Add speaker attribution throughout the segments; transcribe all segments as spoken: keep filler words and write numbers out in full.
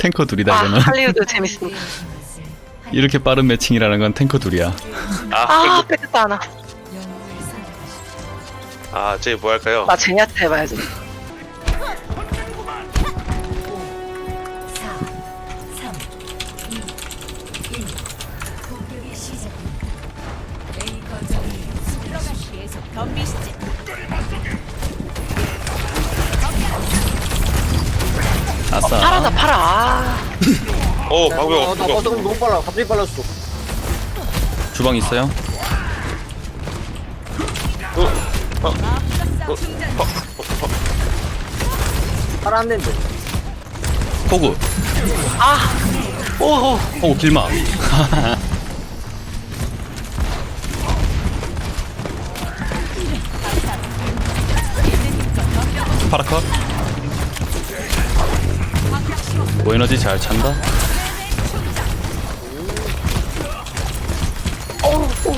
Speaker 1: 탱커 둘이다
Speaker 2: 아,
Speaker 1: 이거는.
Speaker 2: 할리우드 재밌습니다.
Speaker 1: 이렇게 빠른 매칭이라는 건 탱커 둘이야.
Speaker 3: 아,
Speaker 2: 아, 뺏겼다 하나.
Speaker 3: 아, 쟤 뭐 할까요?
Speaker 2: 나 제니한테 해봐야지.
Speaker 1: 아싸.
Speaker 2: 팔아, 나 팔아. 아,
Speaker 3: 어, 방금
Speaker 4: 어, 나
Speaker 3: 그거.
Speaker 4: 너무 빨라. 갑자기 빨랐어.
Speaker 1: 주방 있어요?
Speaker 3: 어, 어, 어, 어, 어,
Speaker 4: 팔 안 된대.
Speaker 1: 호구.
Speaker 2: 아, 오호.
Speaker 1: 호구 길막. 파라컷. 뭐 에너지 잘 찬다.
Speaker 2: 오, 오.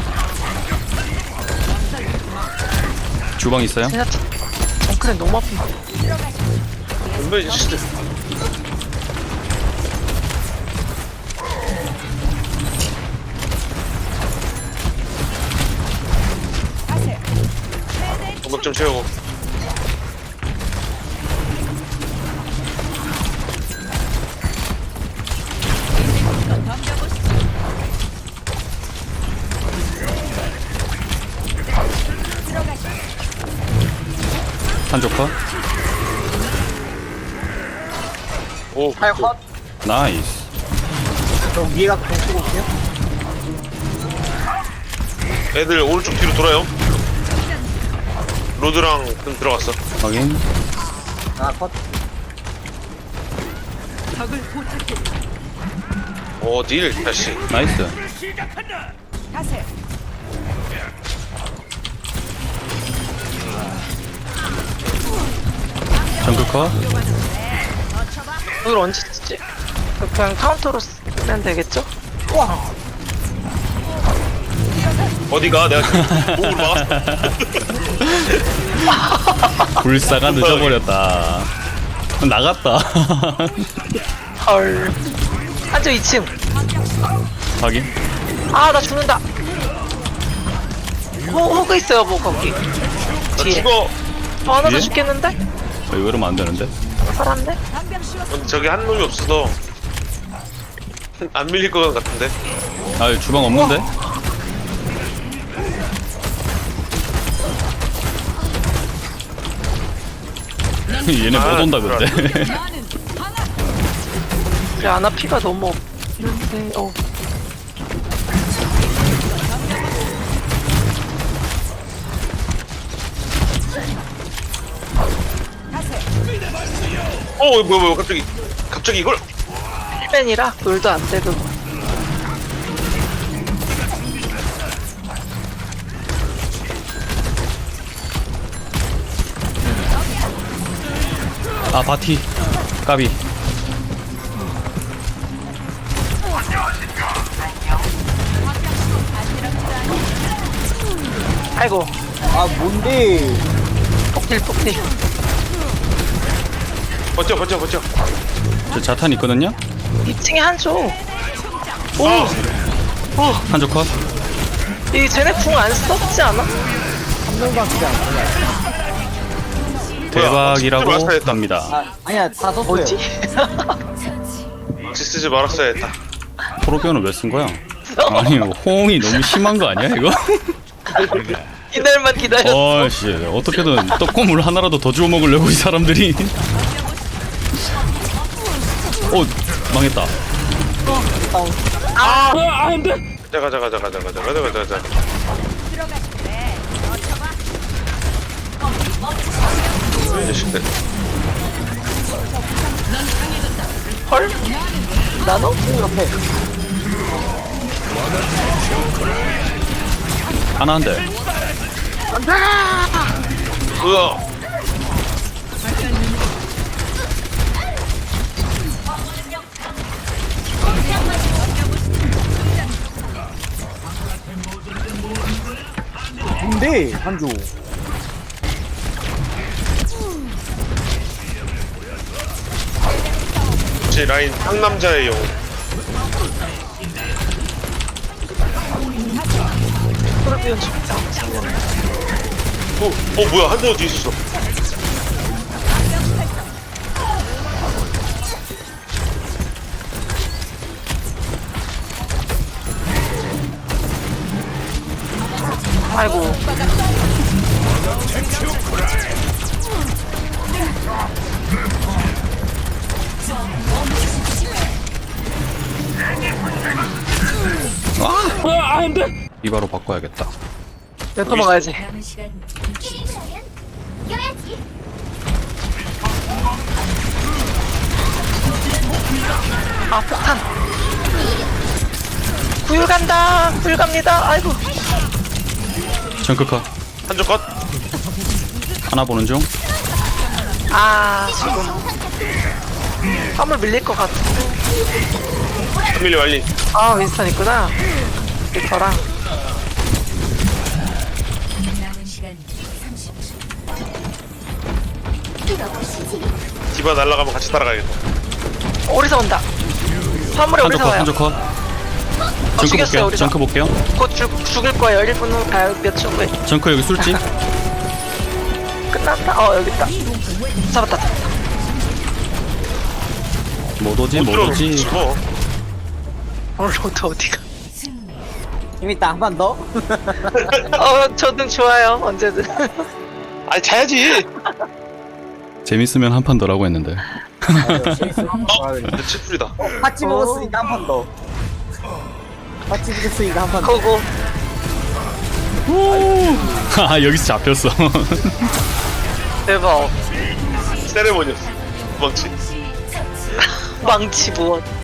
Speaker 1: 주방 있어요?
Speaker 2: 제니한테. 정크랜 너무 아픈다.
Speaker 3: 분명히 진짜. 공급 좀 채우고.
Speaker 1: 한조커.
Speaker 3: 오,
Speaker 4: 팔 컷.
Speaker 1: 나이스.
Speaker 4: 저 위에 가서 좀 쓰고 올게요.
Speaker 3: 애들 오른쪽 뒤로 돌아요. 로드랑 좀 들어갔어.
Speaker 1: 확인.
Speaker 4: 아, 컷.
Speaker 3: 어딜 다시.
Speaker 1: 나이스. 정크커.
Speaker 2: 오늘 언제 쓰지? 그냥 카운터로 쓰면 되겠죠?
Speaker 3: 어디가? 내가 목을 막았어.
Speaker 1: 불사가 늦어버렸다. 나갔다.
Speaker 2: 헐. 한저 이 층.
Speaker 1: 확인.
Speaker 2: 아, 나 죽는다. 호, 호그 있어요, 뭐, 거기.
Speaker 3: 나
Speaker 2: 뒤에.
Speaker 3: 죽어.
Speaker 2: 어, 하나 더
Speaker 1: 뒤에?
Speaker 2: 죽겠는데?
Speaker 1: 어, 이거 이러면 안 되는데.
Speaker 2: 살았네?
Speaker 3: 근데 저기 한 놈이 없어서 안 밀릴 것 같은데.
Speaker 1: 아, 주방 없는데? 얘네 못 온다 근데.
Speaker 2: 그래, 아나 피가 너무 없는데, 어.
Speaker 3: 어, 뭐야, 뭐야, 갑자기, 갑자기 이걸.
Speaker 2: 힐맨이라 돌도 안 되고.
Speaker 1: 아, 바티. 까비.
Speaker 2: 아이고,
Speaker 4: 아, 뭔데?
Speaker 2: 폭딜, 폭딜.
Speaker 3: 버텨, 버텨, 버텨.
Speaker 1: 저 자탄 있거든요?
Speaker 2: 이 층에 한조. 오!
Speaker 3: 아,
Speaker 2: 어,
Speaker 1: 한조 컷.
Speaker 2: 이 쟤네 궁 안 썼지 않아?
Speaker 4: 한 명밖에 안 되냐.
Speaker 1: 대박이라고
Speaker 3: 뭐야, 진짜
Speaker 1: 합니다.
Speaker 4: 아, 아니야, 다 썼어요.
Speaker 2: 뭐지?
Speaker 3: 혹시 쓰지 말았어야 했다.
Speaker 1: 프로비오는 왜 쓴 거야? 아니, 호응이 너무 심한 거 아니야, 이거?
Speaker 2: 이날만 기다렸어.
Speaker 1: 어씨, 어떻게든 떡고물 하나라도 더 주워 먹으려고 이 사람들이. 어, 망했다.
Speaker 3: 가자, 가자, 가자, 가자, 가자, 가자, 가자, 가자. 이 자식들.
Speaker 2: 헐? 나노?
Speaker 4: 옆에.
Speaker 1: 하나 한 대.
Speaker 3: 으아.
Speaker 4: 뭔데, 한조.
Speaker 3: 그렇지 라인 상남자의 영웅.
Speaker 2: 그러면 죽다.
Speaker 3: 어, 어 뭐야 한대 어디 있었어?
Speaker 2: 아이고. 아, 안 돼.
Speaker 1: 이바로 바꿔야겠다.
Speaker 2: 내 도망가야지.
Speaker 5: 남은 시간 껴야지.
Speaker 2: 아, 폭탄. 구율 간다. 구율 갑니다. 아이고.
Speaker 1: 정크컷
Speaker 3: 한쪽 컷.
Speaker 1: 하나 보는 중.
Speaker 2: 아, 지금. 화물 밀릴 것 같아.
Speaker 3: 한밀리 완리.
Speaker 2: 아, 윈스턴 있구나. 리퍼랑.
Speaker 5: 남은 시간 삼십 초.
Speaker 3: 디바 날아가면 같이 따라가야겠다.
Speaker 2: 오리사 온다. 화물에
Speaker 1: 한쪽
Speaker 2: 오리사
Speaker 1: 컷
Speaker 2: 와요.
Speaker 1: 한쪽 컷.
Speaker 2: 어,
Speaker 1: 정크
Speaker 2: 죽였어요,
Speaker 1: 볼게요.
Speaker 2: 우리가.
Speaker 1: 정크 볼게요.
Speaker 2: 곧 죽, 죽을 거예요. 일 분 후, 아, 몇 초 후에.
Speaker 1: 정크 여기 술집.
Speaker 2: 끝났다. 어, 여기 있다. 잡았다. 잡았다.
Speaker 1: 못 오지 못
Speaker 3: 들어
Speaker 1: 오지.
Speaker 3: 죽어.
Speaker 2: 오늘 로드 어디가?
Speaker 4: 재밌다. 한 번 더.
Speaker 2: 어, 저는 좋아요. 언제든.
Speaker 3: 아니 자야지.
Speaker 1: 재밌으면 한 판 더라고 했는데.
Speaker 3: 어, 칠풀이다.
Speaker 4: 파치 먹었으니까 한 판 더. 파치 먹었으니까 한 판 더.
Speaker 2: 고고.
Speaker 1: 아 여기서 잡혔어.
Speaker 2: 대박.
Speaker 3: 세레모니였어. 도망치.
Speaker 2: 망치 무엇.